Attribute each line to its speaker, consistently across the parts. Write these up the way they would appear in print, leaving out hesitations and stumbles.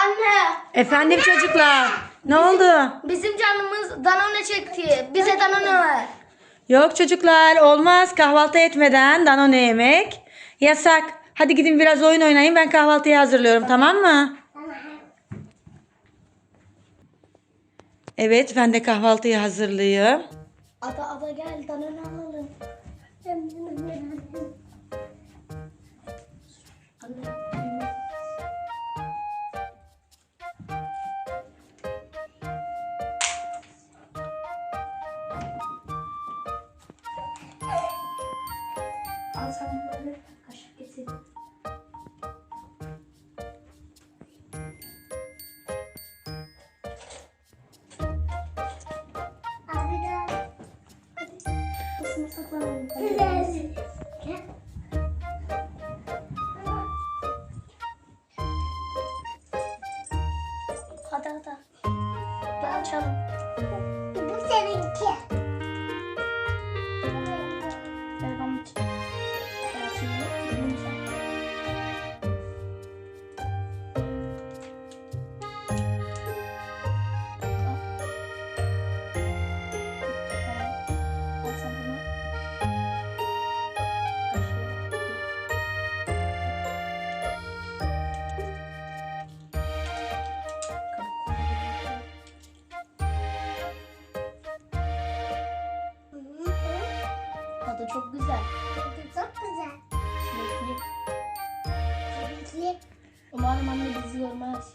Speaker 1: Anne.
Speaker 2: Efendim çocuklar. Ne oldu?
Speaker 1: Bizim canımız Danone çekti. Bize Danone ver.
Speaker 2: Yok çocuklar, olmaz kahvaltı etmeden Danone yemek. Yasak. Hadi gidin biraz oyun oynayın, ben kahvaltıyı hazırlıyorum, tamam mı? Evet, ben de kahvaltıyı hazırlayayım.
Speaker 1: Ada gel Danone alalım. Anne. Al sen bunları kaşık getir. Abi gel. Hadi. Kısmı saklanalım. Gel. Hadi. Gel açalım. Bu seninki. Ver bana için. Gel şimdi. Yumuşak. Al sen bunu. Tadı çok güzel.
Speaker 3: Çok güzel.
Speaker 1: Çilekli. Umarım anne bizi görmez.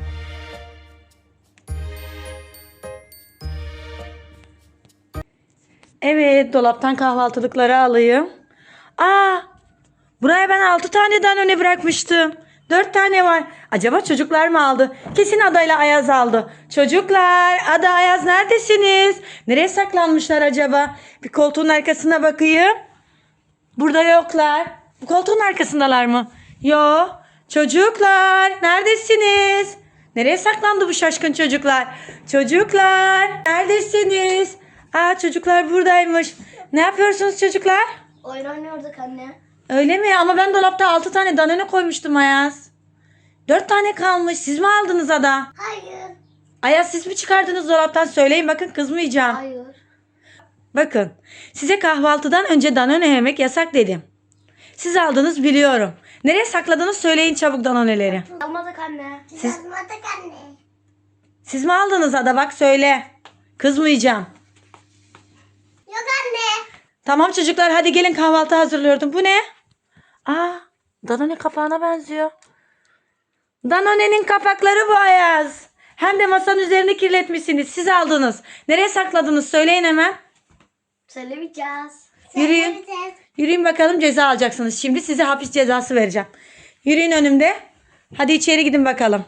Speaker 2: Evet, dolaptan kahvaltılıkları alayım. Aa, buraya ben 6 tane Danone bırakmıştım. 4 tane var. Acaba çocuklar mı aldı? Kesin Ada ile Ayaz aldı. Çocuklar, Ada, Ayaz neredesiniz? Nereye saklanmışlar acaba? Bir koltuğun arkasına bakayım. Burada yoklar. Bu koltuğun arkasındalar mı? Yo. Çocuklar, neredesiniz? Nereye saklandı bu şaşkın çocuklar? Çocuklar, neredesiniz? Aa, çocuklar buradaymış. Ne yapıyorsunuz çocuklar?
Speaker 1: Oyun oynuyorduk anne.
Speaker 2: Öyle mi? Ama ben dolapta 6 tane Danone koymuştum Ayaz. 4 tane kalmış. Siz mi aldınız Ada?
Speaker 3: Hayır.
Speaker 2: Ayaz, siz mi çıkardınız dolaptan? Söyleyin, bakın kızmayacağım.
Speaker 1: Hayır.
Speaker 2: Bakın, size kahvaltıdan önce Danone yemek yasak dedim. Siz aldınız biliyorum. Nereye sakladınız söyleyin çabuk Danone'leri.
Speaker 1: Almadık anne.
Speaker 3: Yazmadık anne.
Speaker 2: Siz mi aldınız Ada, bak söyle. Kızmayacağım.
Speaker 3: Yok anne.
Speaker 2: Tamam çocuklar, hadi gelin kahvaltı hazırlıyordum. Bu ne? Aa, Danone kapağına benziyor. Danone'nin kapakları bu Ayaz. Hem de masanın üzerini kirletmişsiniz. Siz aldınız. Nereye sakladınız söyleyin hemen.
Speaker 1: Söylemeyeceğiz.
Speaker 2: Yürüyün.
Speaker 3: Söyleyeceğiz.
Speaker 2: Yürüyün bakalım, ceza alacaksınız. Şimdi size hapis cezası vereceğim. Yürüyün önümde. Hadi içeri gidin bakalım.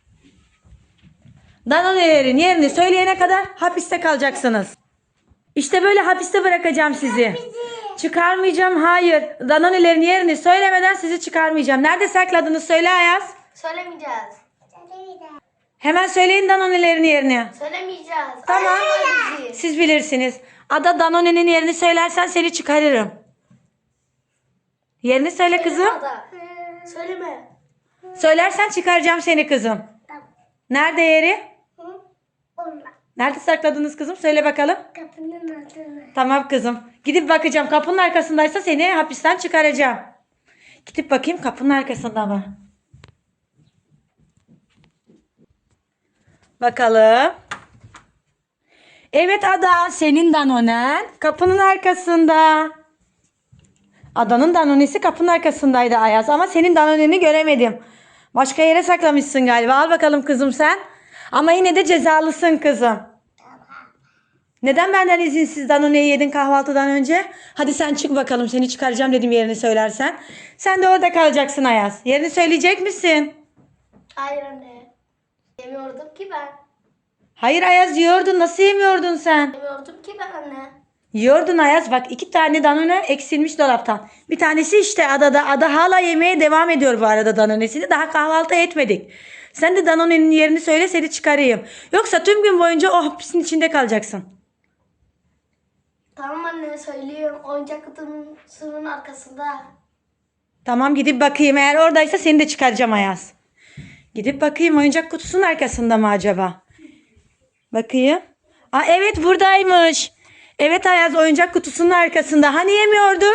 Speaker 2: Danone'lerin yerini söyleyene kadar hapiste kalacaksınız. İşte böyle hapiste bırakacağım sizi. Çıkarmayacağım, hayır. Danone'lerin yerini söylemeden sizi çıkarmayacağım. Nerede sakladınız söyle Ayaz.
Speaker 1: Söylemeyeceğiz.
Speaker 3: Söyleyeceğiz.
Speaker 2: Hemen söyleyin Danone'lerin yerini.
Speaker 1: Söylemeyeceğiz.
Speaker 2: Tamam.
Speaker 1: Ayırma bizi.
Speaker 2: Siz bilirsiniz. Ada, Danone'nin yerini söylersen seni çıkarırım. Yerini söyle kızım.
Speaker 1: Ada. Söyleme.
Speaker 2: Söylersen çıkaracağım seni kızım.
Speaker 3: Tamam.
Speaker 2: Nerede yeri?
Speaker 3: Hı? Onunla.
Speaker 2: Nerede sakladınız kızım? Söyle bakalım.
Speaker 3: Kapının altına.
Speaker 2: Tamam kızım. Gidip bakacağım. Kapının arkasındaysa seni hapisten çıkaracağım. Gidip bakayım kapının arkasında mı? Bakalım. Evet Ada, senin Danonen kapının arkasında. Ada'nın Danone'si kapının arkasındaydı Ayaz, ama senin Danone'ni göremedim. Başka yere saklamışsın galiba. Al bakalım kızım sen. Ama yine de cezalısın kızım. Neden benden izinsiz Danone'yi yedin kahvaltıdan önce? Hadi sen çık bakalım, seni çıkaracağım dedim yerini söylersen. Sen de orada kalacaksın Ayaz. Yerini söyleyecek misin?
Speaker 1: Hayır anne. Yemiyordum ki ben.
Speaker 2: Hayır Ayaz, yiyordun. Nasıl yemiyordun sen?
Speaker 1: Yemiyordum ki ben anne.
Speaker 2: Yiyordun Ayaz. Bak 2 tane Danone eksilmiş dolaptan. Bir tanesi işte Ada'da. Ada hala yemeye devam ediyor bu arada Danone'sini. Daha kahvaltı etmedik. Sen de Danone'nin yerini söyle, seni çıkarayım. Yoksa tüm gün boyunca o hapisin içinde kalacaksın.
Speaker 1: Tamam anne söylüyorum. Oyuncak kutusunun arkasında.
Speaker 2: Tamam, gidip bakayım. Eğer oradaysa seni de çıkaracağım Ayaz. Gidip bakayım oyuncak kutusunun arkasında mı acaba? Bakayım. Aa, evet buradaymış. Evet Ayaz oyuncak kutusunun arkasında. Hani yemiyordun?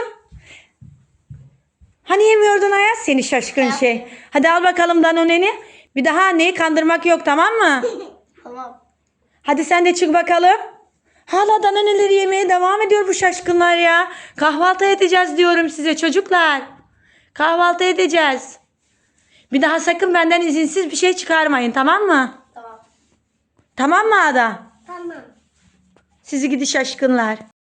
Speaker 2: Hani yemiyordun Ayaz? Seni şaşkın şey. Hadi al bakalım Danone'ni. Bir daha anneyi kandırmak yok, tamam mı?
Speaker 3: Tamam.
Speaker 2: Hadi sen de çık bakalım. Hala Danone'leri yemeye devam ediyor bu şaşkınlar ya. Kahvaltı edeceğiz diyorum size çocuklar. Kahvaltı edeceğiz. Bir daha sakın benden izinsiz bir şey çıkarmayın, tamam mı?
Speaker 3: Tamam.
Speaker 2: Tamam mı Ada?
Speaker 3: Tamam.
Speaker 2: Sizi gidi şaşkınlar.